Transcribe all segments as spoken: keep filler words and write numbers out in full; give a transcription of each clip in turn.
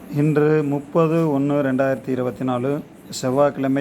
இன்று முப்பது ஒன்று ரெண்டாயிரத்தி இருபத்தி நாலு செவ்வாய்க்கிழமை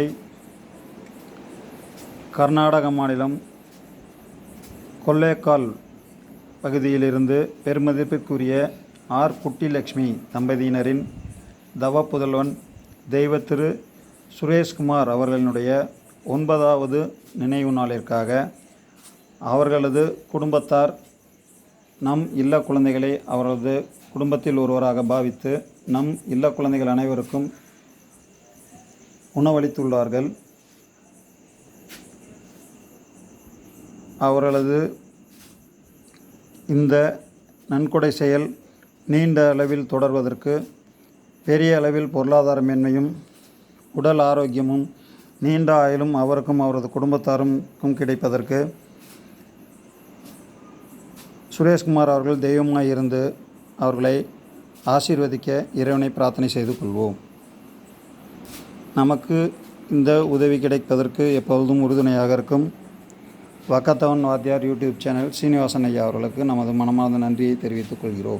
கர்நாடக மாநிலம் கொல்லேக்கால் பகுதியிலிருந்து பெருமதிப்பிற்குரிய ஆர் குட்டிலட்சுமி தம்பதியினரின் தவ புதல்வன் தெய்வ திரு சுரேஷ்குமார் அவர்களினுடைய ஒன்பதாவது நினைவு நாளிற்காக அவர்களது குடும்பத்தார் நம் இல்ல குழந்தைகளை அவரது குடும்பத்தில் ஒருவராக பாவித்து நம் இல்ல குழந்தைகள் அனைவருக்கும் உணவளித்துள்ளார்கள். அவர்களது இந்த நன்கொடை செயல் நீண்ட அளவில் தொடர்வதற்கு பெரிய அளவில் பொருளாதார மேன்மையும் உடல் ஆரோக்கியமும் நீண்ட ஆயுளும் அவருக்கும் அவரது குடும்பத்தாருக்கும் கிடைப்பதற்கு சுரேஷ்குமார் அவர்கள் தெய்வமாக இருந்து அவர்களை ஆசீர்வதிக்க இறைவனை பிரார்த்தனை செய்து கொள்வோம். நமக்கு இந்த உதவி கிடைப்பதற்கு எப்பொழுதும் உறுதுணையாக இருக்கும் வக்கத்தவன் வாத்தியார் யூடியூப் சேனல் சீனிவாசன் ஐயா அவர்களுக்கு நமது மனமார்ந்த நன்றியை தெரிவித்துக் கொள்கிறோம்.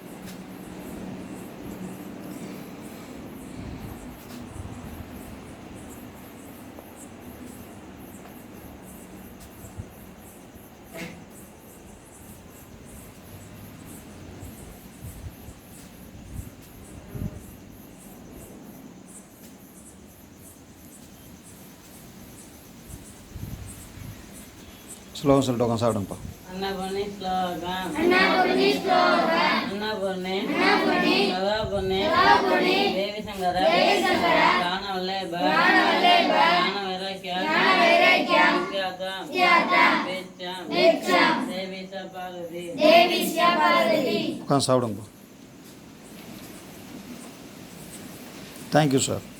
ஸ்லோகம் சொல்லிட்டு உட்காந்து சாப்பிடுங்கப்பா. அன்னபூர்ணி ஸ்லோகம் அன்னபூர்ணி ஸ்லோகம் அன்னபூர்ணி அன்னபூர்ணி சதாபூர்ணி சதாபூர்ணி தேவி சங்கர தேவி சங்கர ஞான வல்லப ஞான வல்லப ஞான வைராக்ய ஞான வைராக்ய வித்யாதா வித்யாதா வெச்சம் வெச்சம் தேவி சபாகதி தேவி சபாகதி உட்காந்து சாப்பிடுங்கப்பா. Thank you sir.